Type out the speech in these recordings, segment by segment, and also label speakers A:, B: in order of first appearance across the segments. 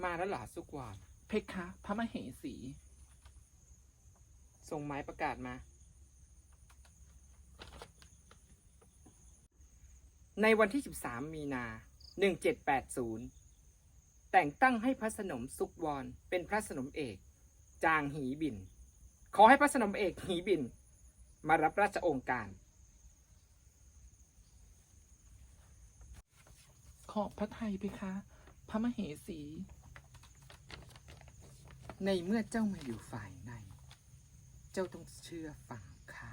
A: มาแล้วเหรอสุกวาน
B: เพคะพระมเหสี
A: ส่งหมายประกาศมา ในวันที่13 มีนา 1780แต่งตั้งให้พระสนมสุกวรเป็นพระสนมเอกจางหีบินขอให้พระสนมเอกหีบินมารับราชองค์การ
B: ขอบพระทัยเพคะพระมเหสี
A: ในเมื่อเจ้ามาอยู่ฝ่ายในเจ้าต้องเชื่อฟังข้า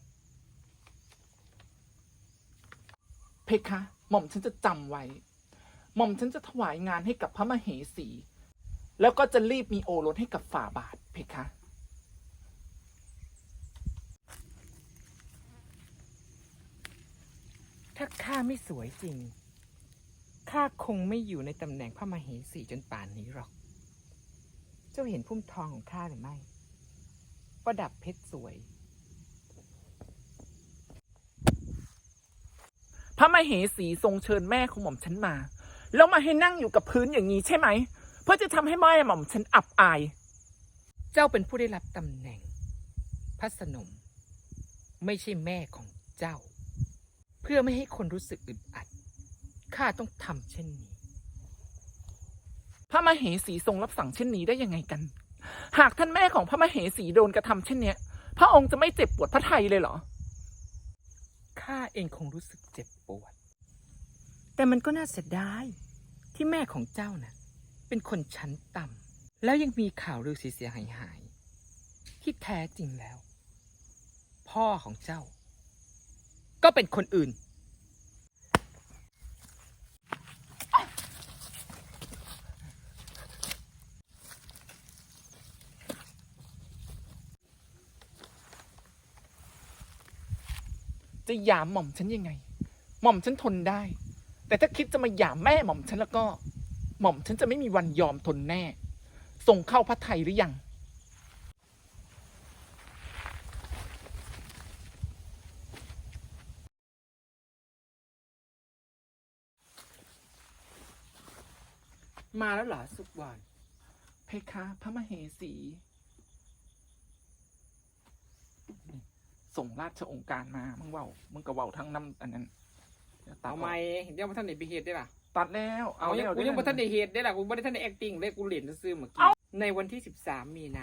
B: เพคะหม่อมฉันจะจำไว้หม่อมฉันจะถวายงานให้กับพระมเหสี แล้วก็จะรีบมีโอรสให้กับฝ่าบาทเพคะ
A: ถ้าข้าไม่สวยจริงข้าคงไม่อยู่ในตำแหน่งพระมเหสีจนป่านนี้หรอกเจ้าเห็นพุ่มทองของข้าหรือไม่ประดับเพชรสวย
B: พระมเหสีทรงเชิญแม่ของหม่อมฉันมาแล้วมาให้นั่งอยู่กับพื้นอย่างนี้ใช่ไหมเพื่อจะทำให้แม่หม่อมฉันอับอาย
A: เจ้าเป็นผู้ได้รับตำแหน่งพระสนมไม่ใช่แม่ของเจ้าเพื่อไม่ให้คนรู้สึกอึดอัดข้าต้องทำเช่นนี้
B: พระมเหสีทรงรับสั่งเช่นนี้ได้ยังไงกันหากท่านแม่ของพระมเหสีโดนกระทำเช่นเนี้ยพระองค์จะไม่เจ็บปวดพระทัยเลยเหรอ
A: ข้าเองคงรู้สึกเจ็บปวดแต่มันก็น่าเสียดายที่แม่ของเจ้าน่ะเป็นคนชั้นต่ำแล้วยังมีข่าวลือเสียหายที่แท้จริงแล้ว พ่อของเจ้าก็เป็นคนอื่น
B: จะหยามหม่อมฉันยังไงหม่อมฉันทนได้แต่ถ้าคิดจะมาหยามแม่หม่อมฉันแล้วก็หม่อมฉันจะไม่มีวันยอมทนแน่ส่งเข้าพระทัยหรือยัง
A: มาแล้วเหรอสุกวาน
B: เพคะพระมเหสีส่งราชองค์การมามึงเว้ามึงก็เว้าทั้งน้ำอันนั้น
A: เอาไม่เดี๋ยวมาท่านไหนไปเหตุได้ล่ะ
B: ตัดแล้ว
A: เอาเนี่ยกูยังมาท่านไหนเหตุได้ล่ะกูไม่ได้ท่านไหน acting เลยกูเล่นซื้อเมื่อกี้ในวันที่13 มีนา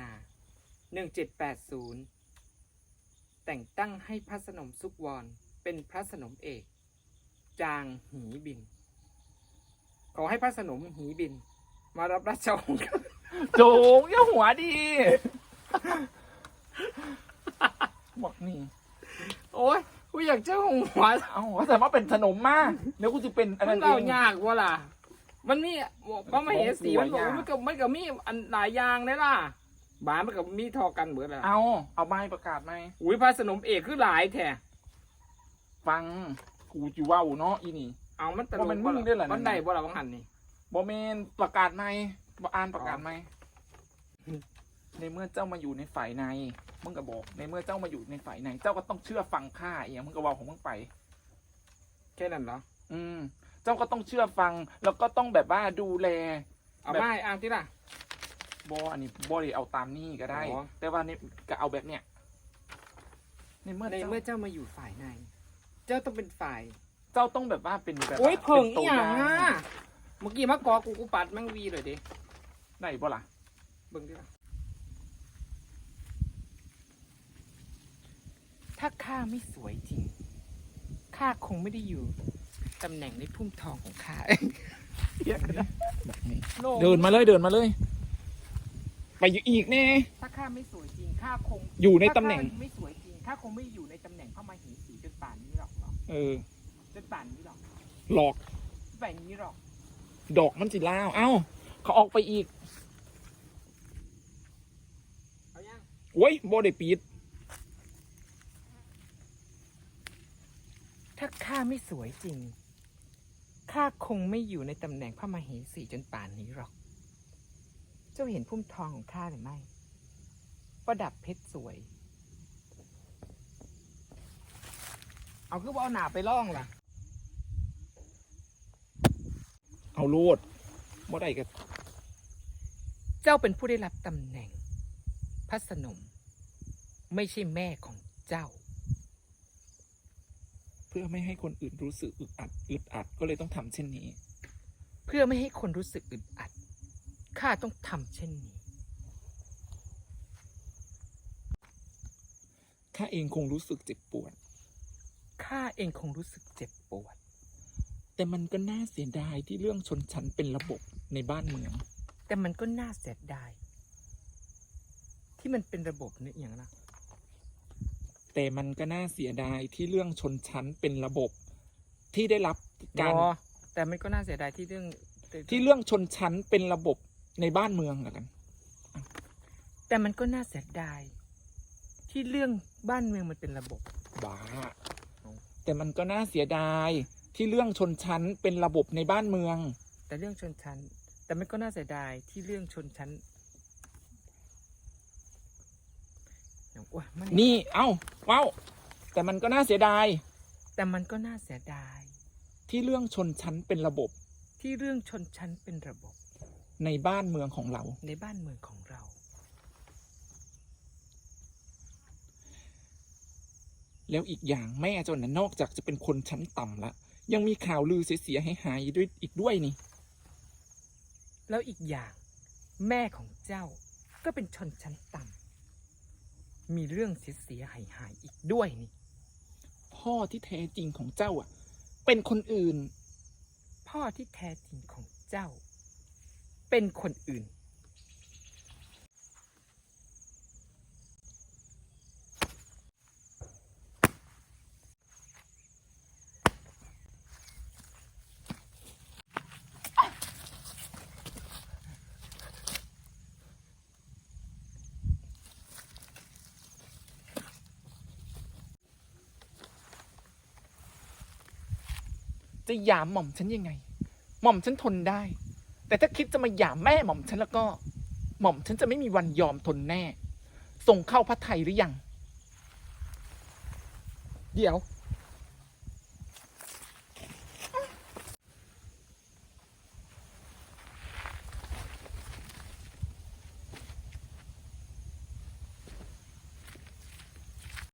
A: 1780แต่งตั้งให้พระสนมสุกวรเป็นพระสนมเอกจางหีบินขอให้พระสนมหีบินมารับราชองค์การ
B: โจงอย่าหัวดีบอกนี่
A: โอ้ยกูอยากเจ้าหัว
B: เอาแต่ว่าเป็นขนมมากเดี๋ยวกูจะเป็นอันนั้นเอง
A: มันยากวะล่ะมันมีพระมเหสีมันบอกมันก็มีอันหลายอย่างเลยล่ะบ้านมันก็มีทอกันเหมือนละ
B: เอาไม้ประกาศไหม
A: อุ้ยพระสนมเอกคือหลายแท้
B: ฟังกูจิว่าเนาะอีนี่
A: เอามันตลกมันมึงได้หรอมันได้บ่ล่ะบางหันนี่
B: บ่เมนประกาศไหมบ่อ่านประกาศไหมในเมื่อเจ้ามาอยู่ในฝ่ายในมึงก็บอกในเมื่อเจ้ามาอยู่ในฝ่ายในเจ้าก็ต้องเชื่อฟังข้าอย่างมึงก็ว่าของมึงไป
A: แค่นั้นเหรอ
B: เจ้าก็ต้องเชื่อฟังแล้วก็ต้องแบบว่าดูแล
A: เอาไม่อ่านที่ล่ะ
B: อันนี้ได้เอาตามนี่ก็ได้แต่ว่านี่ก็เอาแบบเนี้ยในเมื่อ
A: เจ้ามาอยู่ฝ่ายในเจ้าต้องเป็นฝ่าย
B: เจ้าต้องแบบว่าเป็นแบบ
A: โอ้ยเพิ่งอีหยังอ่ะเมื่อกี้มากอกูปัดแม่งวีเลยดิ
B: ไหนบ่ล่ะ
A: เบิ่งดิล่ะถ้าข้าไม่สวยจริงข้าคงไม่ได้อยู่ตำแหน่งในพุ่มทองของข้า
B: เยอะนะเดินมาเลยไปอยู่อีกแน่
A: ถ้าข้าไม่สวยจริงข้าคง
B: อยู่ในตำแหน่ง
A: ไม่สวยจริงข้าคงไม่อยู่ในตำแหน่งพระมเหสีจนป่านนี้หรอกจนป่านนี้หรอก
B: หลอก
A: แบบนี้หรอก
B: ดอกมันจิล่าเขาออกไปอีก
A: เอายัง
B: โอ้ยบ่ได้ปิด
A: ถ้าข้าไม่สวยจริงข้าคงไม่อยู่ในตำแหน่งพระมเหสีจนป่านนี้หรอกเจ้าเห็นพุ่มทองของข้าหรือไม่ประดับเพชรสวยเอาคือว่าเอาหนาไปล่องล่ะ
B: เอาโลดบ่ได้กัน
A: เจ้าเป็นผู้ได้รับตำแหน่งพระสนม ไม่ใช่แม่ของเจ้า
B: เพื่อไม่ให้คนอื่นรู้สึกอึดอัดก็เลยต้องทำเช่นนี้
A: เพื่อไม่ให้คนรู้สึกอึดอัดข้าต้องทำเช่นนี้
B: ข้าเองคงรู้สึกเจ็บปวด
A: ข้าเองคงรู้สึกเจ็บปวด
B: แต่มันก็น่าเสียดายที่เรื่องชนชั้นเป็นระบบในบ้านเมือง
A: แต่มันก็น่าเสียดายที่มันเป็นระบบเนี่ยอย่างนะ
B: แต่มันก็น่าเสียดายที่เรื่องชนชั้นเป็นระบบที่ได้รับการ
A: แต่มันก็น่าเสียดายที่เรื่อง
B: ที่เรื่องชนชั้นเป็นระบบในบ้านเมืองละกัน
A: แต่มันก็น่าเสียดายที่เรื่องบ้านเมืองมันเป็นระบบ
B: บ้า แต่มันก็น่าเสียดายที่เรื่องชนชั้นเป็นระบบในบ้านเมือง
A: แต่เรื่องชนชั้น แต่มันก็น่าเสียดายที่เรื่องชนชั้นอย่างอ้วนมัน
B: นี่เอ้าว้าวแต่มันก็น่าเสียดาย
A: แต่มันก็น่าเสียดาย
B: ที่เรื่องชนชั้นเป็นระบบ
A: ที่เรื่องชนชั้นเป็นระบบ
B: ในบ้านเมืองของเรา
A: ในบ้านเมืองของเรา
B: แล้วอีกอย่างแม่เจ้าน่ะนอกจากจะเป็นคนชั้นต่ำละยังมีข่าวลือเสียหายๆด้วยอีกด้วยนี่
A: แล้วอีกอย่างแม่ของเจ้าก็เป็นชนชั้นต่ำมีเรื่องเสียหายอีกด้วยนี่
B: พ่อที่แท้จริงของเจ้าอ่ะ เป็นคนอื่น
A: พ่อที่แท้จริงของเจ้า เป็นคนอื่น
B: จะหยามหม่อมฉันยังไง หม่อมฉันทนได้ แต่ถ้าคิดจะมาหยามแม่หม่อมฉันแล้วก็ หม่อมฉันจะไม่มีวันยอมทนแน่ ส่งเข้าพระไทยหรือยัง
A: เดี๋ยว